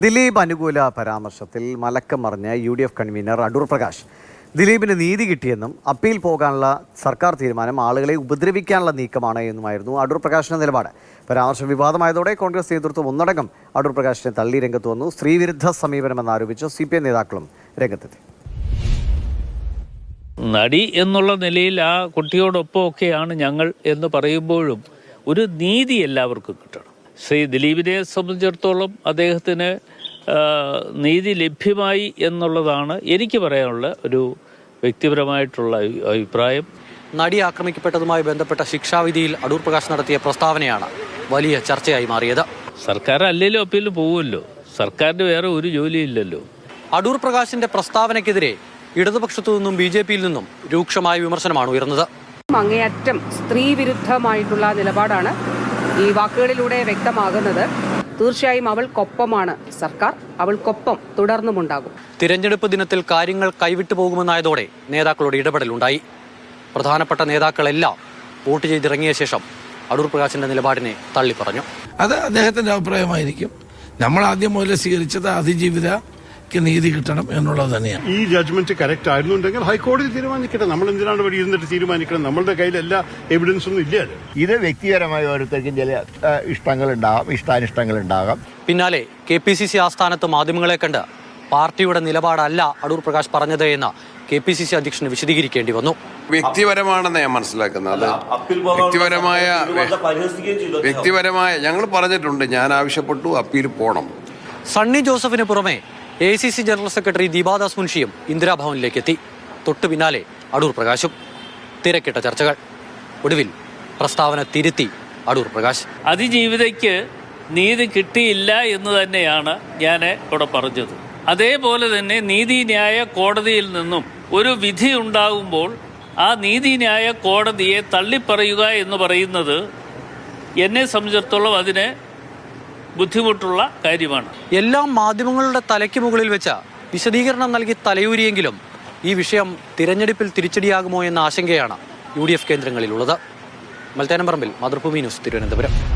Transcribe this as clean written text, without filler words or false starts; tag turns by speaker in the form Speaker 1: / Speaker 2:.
Speaker 1: ദിലീപ് അനുകൂല പരാമർശത്തിൽ മലക്കം മറിഞ്ഞ UDF കൺവീനർ അടൂർ പ്രകാശ് ദിലീപിന് നീതി കിട്ടിയെന്നും അപ്പീൽ പോകാനുള്ള സർക്കാർ തീരുമാനം ആളുകളെ ഉപദ്രവിക്കാനുള്ള നീക്കമാണ് എന്നുമായിരുന്നു അടൂർ പ്രകാശിന്റെ നിലപാട്. പരാമർശം വിവാദമായതോടെ കോൺഗ്രസ് നേതൃത്വം ഒന്നടങ്കം അടൂർ പ്രകാശിനെ തള്ളി രംഗത്ത് വന്നു. സ്ത്രീവിരുദ്ധ സമീപനമെന്നാരോപിച്ച് CPM നേതാക്കളും രംഗത്തെത്തി.
Speaker 2: നടി എന്നുള്ള നിലയിൽ ആ കുട്ടിയോടൊപ്പമൊക്കെയാണ് ഞങ്ങൾ എന്ന് പറയുമ്പോഴും ഒരു നീതി എല്ലാവർക്കും കിട്ടണം. ശ്രീ ദിലീപിനെ സംബന്ധിച്ചിടത്തോളം അദ്ദേഹത്തിന് നീതി ലഭ്യമായി എന്നുള്ളതാണ് എനിക്ക് പറയാനുള്ള ഒരു വ്യക്തിപരമായിട്ടുള്ള അഭിപ്രായം.
Speaker 3: നടി ആക്രമിക്കപ്പെട്ടതുമായി ബന്ധപ്പെട്ട ശിക്ഷാവിധിയിൽ അടൂർ പ്രകാശ് നടത്തിയ പ്രസ്താവനയാണ് വലിയ ചർച്ചയായി മാറിയത്.
Speaker 2: സർക്കാർ അല്ലെങ്കിലും അപ്പീലിൽ പോകുമല്ലോ, സർക്കാരിന് വേറെ ഒരു ജോലിയില്ലല്ലോ.
Speaker 3: അടൂർ പ്രകാശിന്റെ പ്രസ്താവനയ്ക്കെതിരെ ഇടതുപക്ഷത്തു നിന്നും BJPയിൽ നിന്നും രൂക്ഷമായ വിമർശനമാണ് ഉയർന്നത്.
Speaker 4: അങ്ങേയറ്റം സ്ത്രീ വിരുദ്ധമായിട്ടുള്ള നിലപാടാണ് ഈ വാക്കുകളിലൂടെ വ്യക്തമാകുന്നത്. തീർച്ചയായും അവൾക്കൊപ്പമാണ് സർക്കാർ, അവൾക്കൊപ്പം തുടർന്നുമുണ്ടാകും.
Speaker 3: തിരഞ്ഞെടുപ്പ് ദിനത്തിൽ കാര്യങ്ങൾ കൈവിട്ടു പോകുമെന്നായതോടെ നേതാക്കളുടെ ഇടപെടലുണ്ടായി. പ്രധാനപ്പെട്ട നേതാക്കളെല്ലാം വോട്ട് ചെയ്തിറങ്ങിയ ശേഷം അടൂർ പ്രകാശിന്റെ നിലപാടിനെ തള്ളി പറഞ്ഞു.
Speaker 5: അത് അദ്ദേഹത്തിന്റെ അഭിപ്രായമായിരിക്കും. നമ്മൾ ആദ്യം മുതൽ സ്വീകരിച്ചത് അതിജീവിതയ്ക്ക് നീതി കിട്ടണം എന്നുള്ളത് തന്നെയാണ്.
Speaker 6: ഈ ജഡ്ജ്മെന്റ് കറക്റ്റ് ആയിരുന്നുണ്ടെങ്കിൽ ഹൈക്കോടതി തീരുമാനിക്കട്ടെ. നമ്മൾ എന്തിനാണ് ഇവിടെ ഇരുന്നിട്ട് തീരുമാനിക്കണം? നമ്മളുടെ കയ്യിൽ എല്ലാ എവിഡൻസ് ഒന്നും ഇല്ലല്ലോ.
Speaker 7: ഇത് വ്യക്തിപരമായ ഓരോരുത്തർക്കും ചില ഇഷ്ടങ്ങളുണ്ടാകാം, ഇഷ്ടാനിഷ്ടങ്ങളുണ്ടാകാം.
Speaker 3: പിന്നാലെ KPCC ആസ്ഥാനത്ത് മാധ്യമങ്ങളെ കണ്ട് പാർട്ടിയുടെ നിലപാടല്ല അടൂർ പ്രകാശ് പറഞ്ഞത് എന്ന് KPCC അധ്യക്ഷന് വിശദീകരിക്കേണ്ടി വന്നു.
Speaker 8: വ്യക്തിപരമാണെന്ന് ഞാൻ മനസ്സിലാക്കുന്നത്. വ്യക്തിപരമായ ഞങ്ങൾ പറഞ്ഞിട്ടുണ്ട്, ഞാൻ ആവശ്യപ്പെട്ടു അപ്പീൽ പോകണം.
Speaker 3: സണ്ണി ജോസഫിന് പുറമെ AICC ജനറൽ സെക്രട്ടറി ദീപാദാസ് മുൻഷിയും ഇന്ദിരാഭവനിലേക്ക് എത്തി. തൊട്ടു പിന്നാലെ അടൂർ പ്രകാശും. തിരക്കിട്ട ചർച്ചകൾ. ഒടുവിൽ പ്രസ്താവന തിരുത്തി അടൂർ പ്രകാശ്.
Speaker 2: അതിജീവിതയ്ക്ക് നീതി കിട്ടിയില്ല എന്ന് തന്നെയാണ് ഞാൻ ഇവിടെ പറഞ്ഞത്. അതേപോലെ തന്നെ നീതിന്യായ കോടതിയിൽ നിന്നും ഒരു വിധി ഉണ്ടാകുമ്പോൾ ആ നീതിന്യായ കോടതിയെ തള്ളിപ്പറയുക എന്ന് പറയുന്നത് എന്നെ സംബന്ധിച്ചിടത്തോളം അതിന് ബുദ്ധിമുട്ടുള്ള കാര്യമാണ്.
Speaker 3: എല്ലാം മാധ്യമങ്ങളുടെ തലയ്ക്ക് മുകളിൽ വെച്ച വിശദീകരണം നൽകി തലയൂരിയെങ്കിലും ഈ വിഷയം തിരഞ്ഞെടുപ്പിൽ തിരിച്ചടിയാകുമോ എന്ന ആശങ്കയാണ് UDF കേന്ദ്രങ്ങളിലുള്ളത്. മൽത്തേനംപറമ്പിൽ, മാതൃഭൂമി ന്യൂസ്, തിരുവനന്തപുരം.